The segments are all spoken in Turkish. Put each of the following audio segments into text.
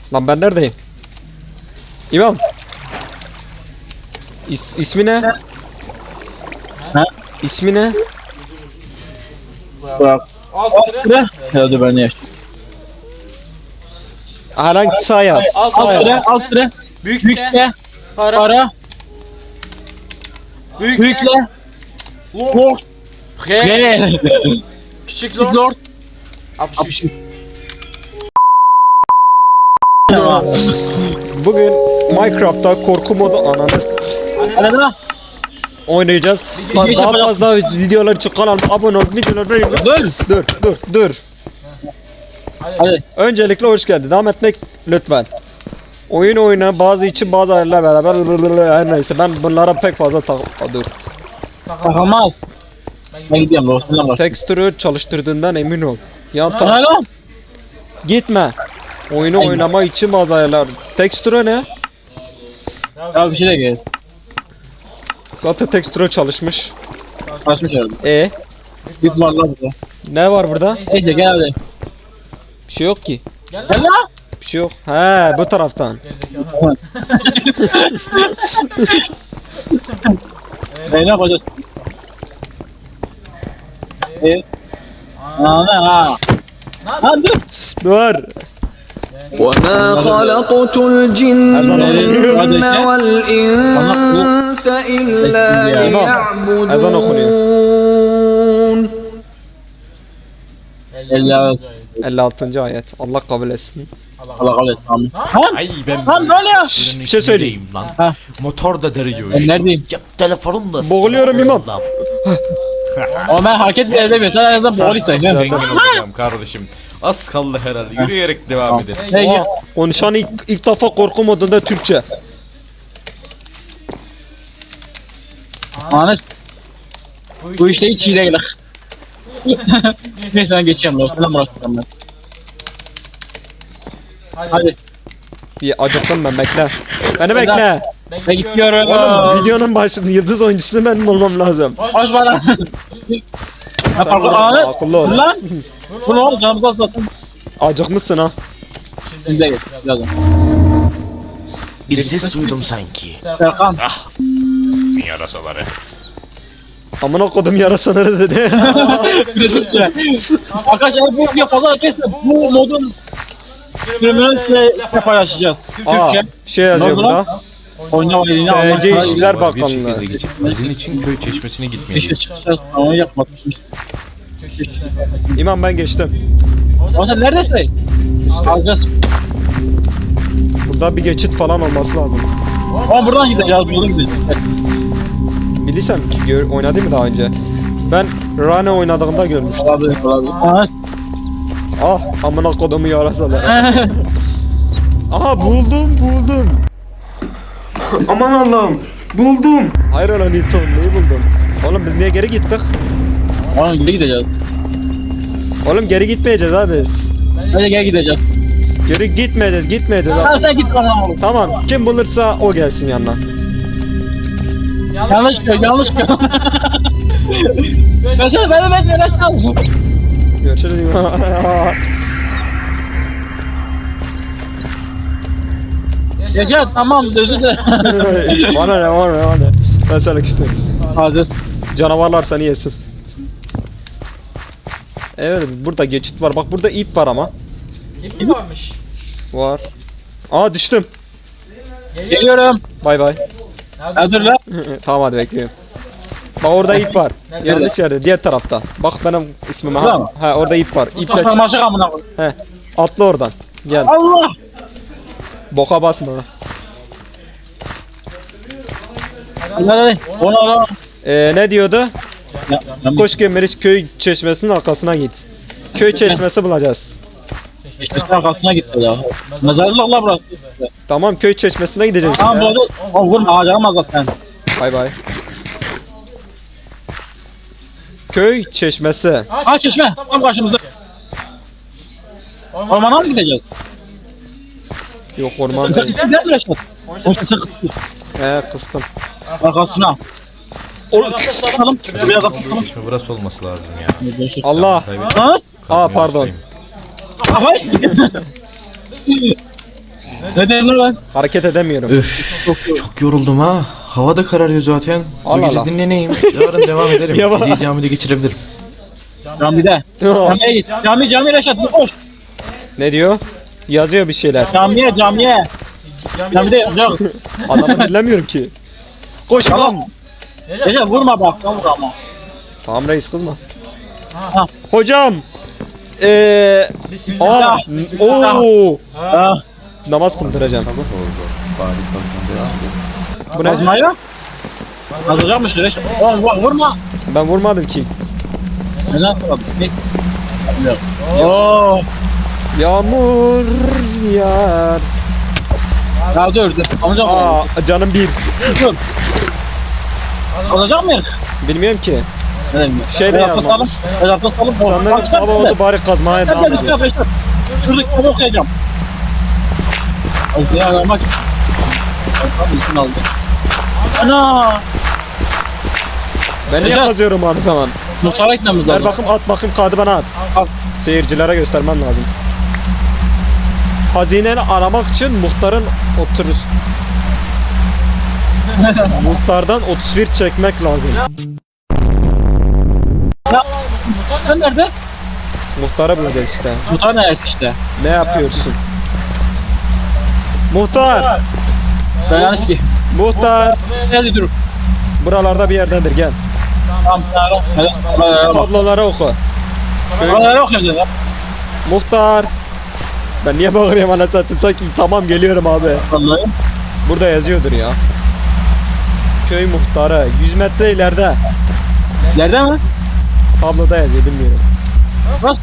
Lan ben neredeyim? İmam. İsmi ne? Ha? İsmi ne? Bak. Alt sıra. Hadi ben yaş. Herhangi sağ yaz. Alt Sağ yaz. sıra. Alt sıra. Büyükle. Para. Büyükle. Lord. G. Küçük Lord. 63. Bugün Minecraft'ta korku modu Anladın? oynayacağız. Daha fazla videolar için kanalıma abone ol, videoları beğen. Dur. Hadi. Öncelikle hoş geldin. Devam etmek lütfen. Oyun oyuna bazı için bazı ayarlar beraber her neyse ben bunlara pek fazla dur. Takılmaz. Ben gidiyorum Lord'dan var. Tekstürü çalıştırdığından emin ol. Ya Tamam. gitme. Oyunu oynama için bazı ayarlar. Tekstürü ne? Ya bir şey de gel. Zaten tekstürü çalışmış. Açmış herhalde. Bir var lan burada. Ne var burada? Neyse gel hadi. Bir şey yok ki. Gel lan. Bir şey yok. He bu taraftan. Ne yapacağız? Ha. Lan dur. Dur. وما خلقت الجن والإنس إلا Ezan okunuyor. ليعبدون 56. ayet. Allah kabul etsin. Allah kabul et. Amin. Ay ben Lan böyle ya. buranın Bir şey söyleyeyim. içindeyim Ha. lan. Motor da deriyor. Ben neredeyim? Ya telefonum da Boğuluyorum İmam. bozuldu. Ama ben hareket bile edemiyorum. Sen en azından boğul isteyin. Zengin olacağım kardeşim. Az kaldı herhalde. Yürüyerek devam edelim. Hey gel. Konuşan ilk defa korku modunda Türkçe. Ahmet. Bu işte hiç iyi değil. Neyse ben geçiyorum. Lord'dan bırakacağım ben. Hadi. Bir acıktım ben bekle. Beni bekle. Ben gidiyorum. Oğlum videonun başında yıldız oyuncusu benim olmam lazım. Hoş bana. Ha pardon Ahmet. Akıllı ol. Lan. Bu ne oldu? Canımızı azaltın. Acıkmışsın ha. Şimdi gel. Birazdan. Bir ses duydum sanki. Serkan. Yarasaları. Amına kodum yarasana dedi. Arkadaşlar bu video fazla kesme. Bu modun sürümünü size paylaşacağız. Aa, Türkçe. bir şey yazıyor Ne oldu burada. Oynama elini almak. TC İşler Bir Bakanlığı. şekilde geçip bizim için köy çeşmesine İşe gitmeliyim. çıkacağız. Ama yapmadım. İmam ben geçtim. Ama sen neredesin? Alacağız. Burada bir geçit falan olması lazım. Ama buradan gideceğiz. Buradan gideceğiz. Bilirsen oynadı mı daha önce? Ben Rane oynadığımda görmüştüm. Olabilir. Ahmet. Ah amına kodumu yarasalar. Aha buldum. Aman Allah'ım buldum. Hayır lan Newton neyi buldum? Oğlum biz niye geri gittik? Oğlum geri gideceğiz. Oğlum geri gitmeyeceğiz abi. Hadi gel gideceğiz. Geri gitmeyeceğiz Ha abi. sen git bana oğlum. Tamam kim bulursa o gelsin yanına. Yanlış gör, yanlış gör. Mesela ben yanaş kaldım. Görüşürüz. Yaşa tamam özür dilerim. bana ne. Ben sana küstüm. Hazır. Canavarlar seni yesin. Evet burada geçit var. Bak burada ip var ama. İp mi varmış? Var. Aa düştüm. Geliyorum. Bay bay. Hazır lan. Tamam hadi bekliyorum. Bak orada ip var. Yanlış yerde diğer tarafta. Bak benim ismim Burada ha. mı? Ha orada ip var. İple Mustafa maşık amına koy. he. Atla oradan. Gel. Allah. Boka basma. Hadi. Onu ara. Ne diyordu? Ya, Koş Gemeriç köy çeşmesinin arkasına git. Köy çeşmesi bulacağız. İşte arkasına gitti ya. Mezarlık la burası. Tamam köy çeşmesine gideceğiz. Tamam bu arada o vurma ağacıma zaten. Bay bay. Köy çeşmesi. Ha çeşme tam karşımızda. Ormana mı gideceğiz? Yok orman değil. Ne uğraşıyorsun? O sesi kıstı. Kıstım. Arkasına. Oğlum. Bakalım. Biraz da Köy çeşme burası olması lazım ya. Allah. Kaybettim. Ha? Aa pardon. Ay. Ne dedim lan? Hareket edemiyorum. Öf çok yoruldum ha. Hava da kararıyor zaten. Bu Allah gece Allah. dinleneyim. Yarın devam ederim. Yavaş. Geceyi camide geçirebilirim. Camide. Camiye git. Cami Reşat koş. Ne diyor? Yazıyor bir şeyler. Camiye. Camide yazacak. Adamı dinlemiyorum ki. Koş tamam. Reşat vurma bak. Vur ama. Tamam reis kızma. Ha. Hocam. Bismillah. Oo. Ha. Namaz kıldıracağım. Bu ne? Kazmaya. Kazacakmış Reşat. Oğlum vurma. Ben vurmadım ki. Neden sonra? Oo. Yağmur yağar. Ya dur. Alacak Aa canım bir. dur. Alacak mıyız? Bilmiyorum ki. Ne demek? Şey de Reşat yapmamış. tutalım. Sanırım sabah oldu bari kazmaya devam ediyor. Şuradaki kitabı okuyacağım. Ya aramak. Abi isim aldı. Ana! Ben niye Hocam. kazıyorum abi zaman? Muhtara gitmemiz Ver lazım. bakayım at bakayım kağıdı bana at. Al. Seyircilere göstermem lazım. Hazineni aramak için muhtarın oturur. Muhtardan 31 çekmek lazım. Sen nerede? Muhtara bulacağız işte. Muhtar neresi işte? Ne yapıyorsun? Muhtar! Ben yanlış ki. Muhtar! Nerede dur? Buralarda bir yerdedir gel. Tamam. Tabloları oku. Buraları okuyacağız ya. Muhtar! Ben niye bağırıyorum anasını sanki tamam geliyorum abi. Vallahi. Burada yazıyordur ya. Köy muhtarı 100 metre ileride. Nerede mi? Tabloda yazıyor bilmiyorum. Nasıl?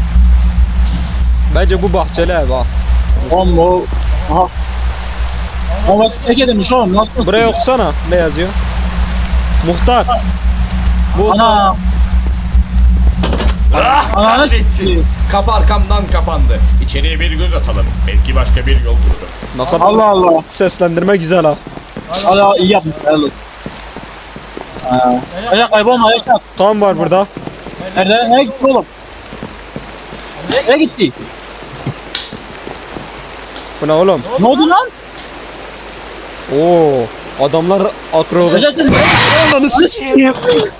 Bence bu bahçeli ev ha. Oğlum o. Aha. Ama tek edilmiş oğlum nasıl? Buraya okusana ne yazıyor? Muhtar. Bu Ana. Ah Ananı kahretsin. Kapı arkamdan kapandı. İçeriye bir göz atalım. Belki başka bir yol bulur. ne kadar Allah Allah. seslendirme güzel ha. Allah iyi yapmış. Helal olsun. Ayak kaybolma ayak yap. Kan var burada. Nerede? Nereye gitti oğlum? Nereye gitti? Bu ne oğlum? Ne oldu lan? Oo, adamlar akrobat. Neredesin? Ananı s**eyim.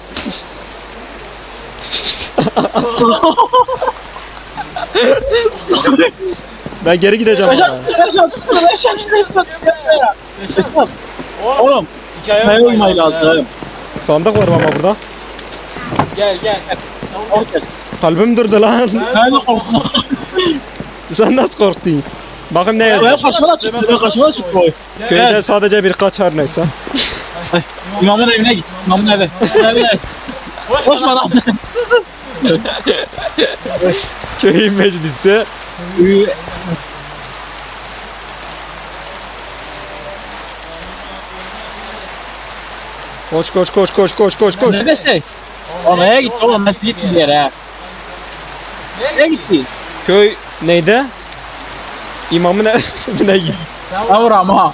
Ben geri gideceğim. Reşat, ama. Reşat. Oğlum, hikaye uymayı lazım. Sandık var ama burada. Gel. Oraya. Kalbim durdu lan. Ben de korktum. Sen nasıl korktun? Bakın ne Ben yazmış. kaçma çıktı o. Köyde sadece birkaç her neyse. İmamın evine git. İmamın eve. Evine. Koşma lan. Köy meclisi. Koş. Neredesin? Oğlum nereye gitti oğlum? Nasıl gitti bir yere? Nereye gitti? Köy neydi? İmamın evine git. Yavrum ama.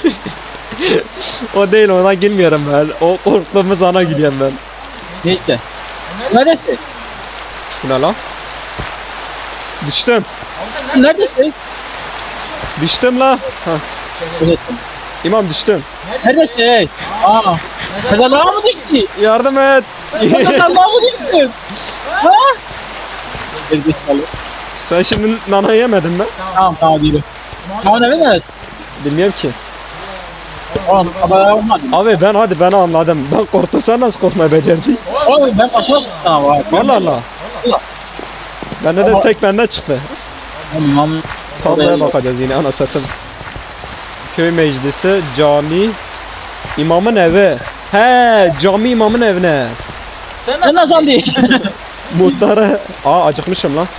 O değil ona girmiyorum ben. O korktuğumuz ana gidiyorum ben. Neyse. Neredesin? Bu ne lan? Düştüm. Neredesin? Düştüm la. Hah. Neredesin? İmam düştüm. Neredesin? Aa. Mezarlığa mı gitti? Yardım et. Mezarlığa mı gitti? Ha? Gerizekalı. Sen şimdi nana yemedin mi? Tamam yürü. Tamam evi neresi? Bilmiyorum ki. Oğlum haber olmadı. Abi ben anladım. Ben korktum sen nasıl korkmayı becerdin? Oğlum ben kaçına çıktım ama. Allah Allah. Bende de tek bende çıktı. Tamam. Tabloya bakacağız yine ana satın. Köy meclisi, cami, imamın evi. He, cami imamın evine. Sen nasıl değil? Muhtarı. Aa acıkmışım lan.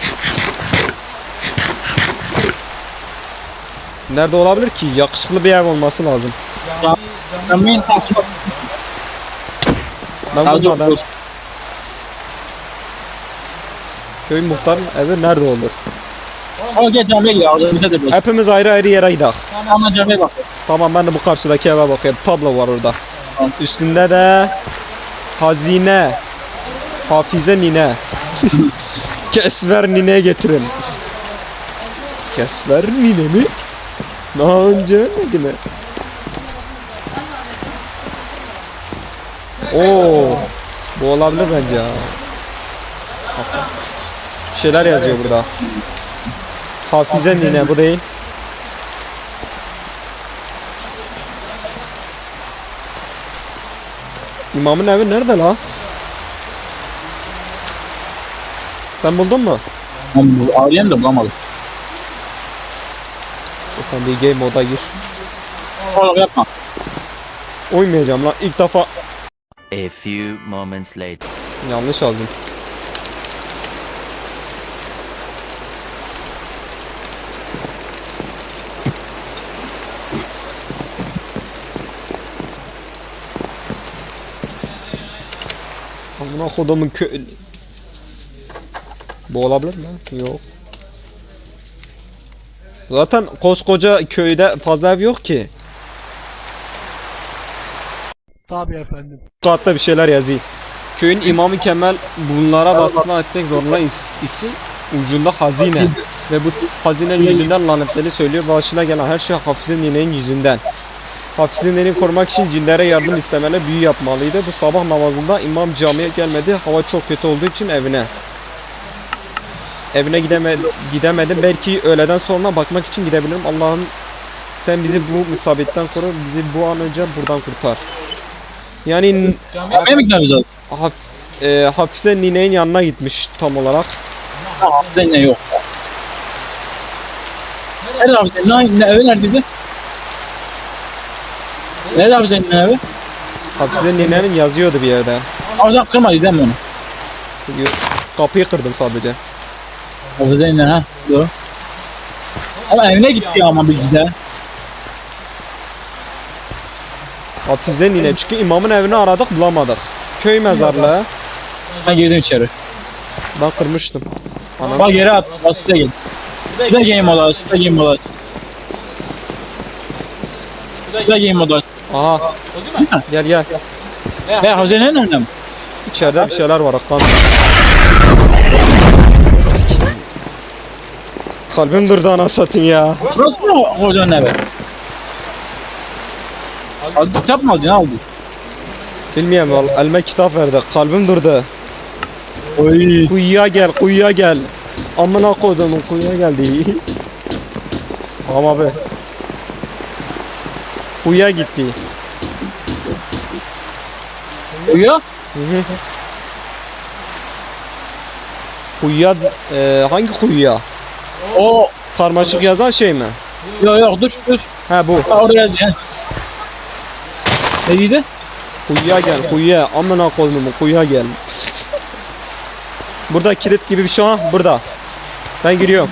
Nerede olabilir ki? Yakışıklı bir ev olması lazım. Cami'nin takip Ben bulmadım. Köy muhtarın evi nerede olur? Ama gel camiye gidelim. Bize de bir. Hepimiz ayrı ayrı yere gidelim. Ama camiye bak. Tamam ben de bu karşıdaki eve bakayım. Tablo var orada. Tamam. Üstünde de hazine, hafize nine, kesver nine getirin. Kesver nine mi? Daha önce ölmedi mi? Oo, bu olabilir bence ya. Bir şeyler yazıyor burada. Hafize nine bu değil. İmamın evi nerede la? Sen buldun mu? Arayayım da bulamadım. Sen bir game moda gir. Oğlum yapma. Oymayacağım lan ilk defa A few moments later. yanlış aldım. Amına kodumun Bu olabilir mi? Yok. Zaten koskoca köyde fazla ev yok ki. Tabii efendim. Kağıtta bir şeyler yazayım. Köyün imamı Kemal bunlara baskı etmek zorunda için ucunda hazine. Ve bu hazinenin yüzünden lanetleri söylüyor. Başına gelen her şey Hafize ninenin yüzünden. Hafize nineyi korumak için cinlere yardım istemeli, büyü yapmalıydı. Bu sabah namazında imam camiye gelmedi. Hava çok kötü olduğu için evine. Evine gidemedim. Belki öğleden sonra bakmak için gidebilirim. Allah'ım sen bizi bu musibetten koru. Bizi bu an önce buradan kurtar. Yani Camiye mi gidiyoruz abi? Hafize ninenin yanına gitmiş tam olarak. Tamam, ne yok. Nerede abi senin evi neredeydi? Nerede abi senin evi? Hafize ninenin yazıyordu bir yerde. Oradan kırmadıydı değil mi onu? Çünkü kapıyı kırdım sadece. Abi senin ha. Doğru. Ama evine gitti ama biz de. Hafize nine çünkü imamın evini aradık bulamadık. Köy mezarlığı. Ben girdim içeri. Ben kırmıştım. Anam. Bak geri at. Bak size gel. Size game modu aç. Size game modu aç. Size game modu aç. Aha gel gel. Ve hazinenin önünde mi? İçeride bir şeyler var Aklan. Kalbim durdu ana satayım ya. Burası mı hocanın evi? Aldı kitap mı aldın? Ne aldın? Bilmiyorum vallahi elime kitap verdi. Kalbim durdu. Oy. Kuyuya gel kuyuya gel. Amına kodumun kuyuya geldi. Tamam abi. Kuyuya gitti. Uyuyor. Hı hı. Kuyuya hangi kuyuya? O. Karmaşık yazan şey mi? Yok dur. He bu. Ha, orada yazdı ya. Ne dedi? Kuyuya gel kuyuya. Amına kodumun kuyuya gel. Burada kilit gibi bir şey var. Burada. Ben giriyorum.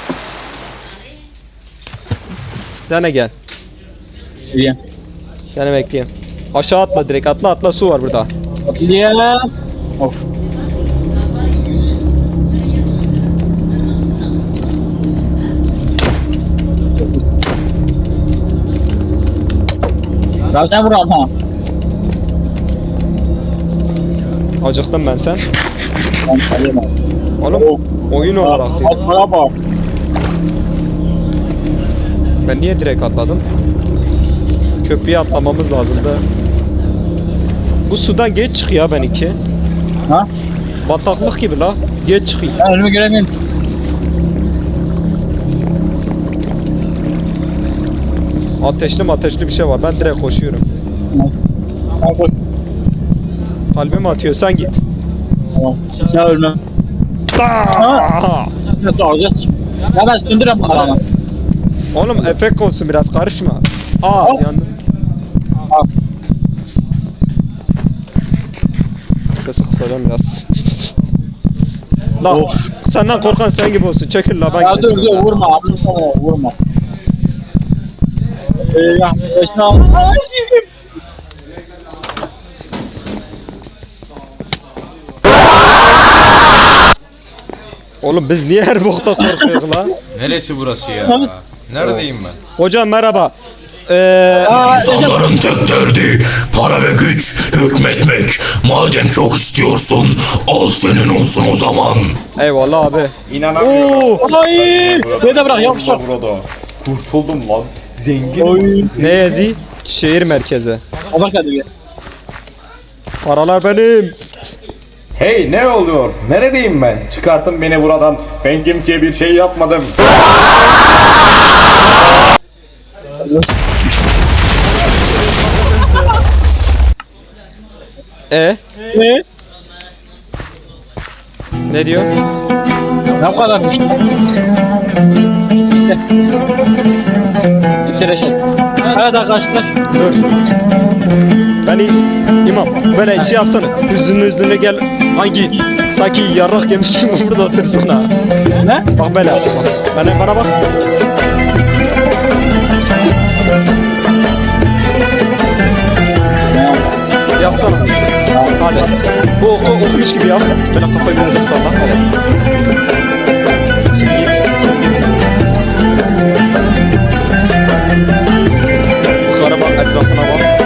Sen de gel. Diye. Seni bekleyeyim. Aşağı atla direkt atla su var burada. Diye. Of. Ya sen vur ama. Acıktım ben sen. Ben sayamam. Oğlum oyun olarak değil. Atmaya bak. Ben niye direkt atladım? Köprüye atlamamız lazımdı. Bu sudan geç çık ya benimki. Ha? Bataklık gibi la. Geç çıkayım. Ben önümü göremiyorum. Ateşli bir şey var. Ben direkt koşuyorum. Tamam koş. Kalbim atıyor. Sen git. Tamam. Ya ölmem. Aa! Nasıl olacak? Ya ben söndürem bunları ama. Oğlum efekt olsun biraz karışma. Aa Al. yandım. Al. Kısadan biraz. La Of. senden korkan sen gibi olsun. Çekil la ben Ya dur gideceğim. vurma abi sana vurma. Ya başına al. Oğlum biz niye her bokta korkuyoruz lan? Neresi burası ya? Neredeyim ben? Hocam merhaba. İnsanların tek derdi para ve güç, hükmetmek. Madem çok istiyorsun, al senin olsun o zaman. Eyvallah abi. İnanamıyorum. Oo! Ay! Beni de bırak yavaş yavaş. Burada. Kurtuldum lan. Oy. Ne yedi? Şehir merkezi. Bak hadi gel. Paralar benim. Hey ne oluyor? Neredeyim ben? Çıkartın beni buradan. Ben kimseye bir şey yapmadım. Ne? Ne diyor? Ne kadarmış? Bitir Reşat. Evet arkadaşlar. Dur. Beni imam böyle şey yapsana. Üstüne gel. Hangi sanki yarrak yemiş gibi burada otursana. Ne? Bak böyle yap. Bak. Bana bak. Yapsana. Hadi. Bu okumuş gibi yap. Böyle kafayı birazcık salla. Hadi. Yukarı bak, etrafına bak.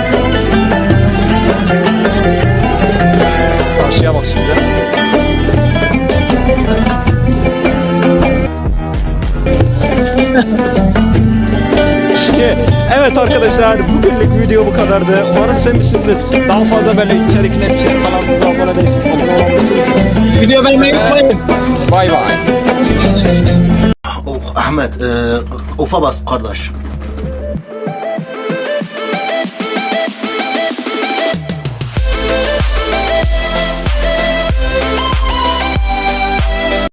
Karşıya bak şimdi. Evet arkadaşlar, bugünlük video bu kadardı. Umarım sevmişsinizdir. Daha fazla böyle içerikler için kanalımıza abone değilsiniz. Abone olabilirsiniz. Video beğenmeyi unutmayın. Bay bay. Ahmet, ufa bas kardeş.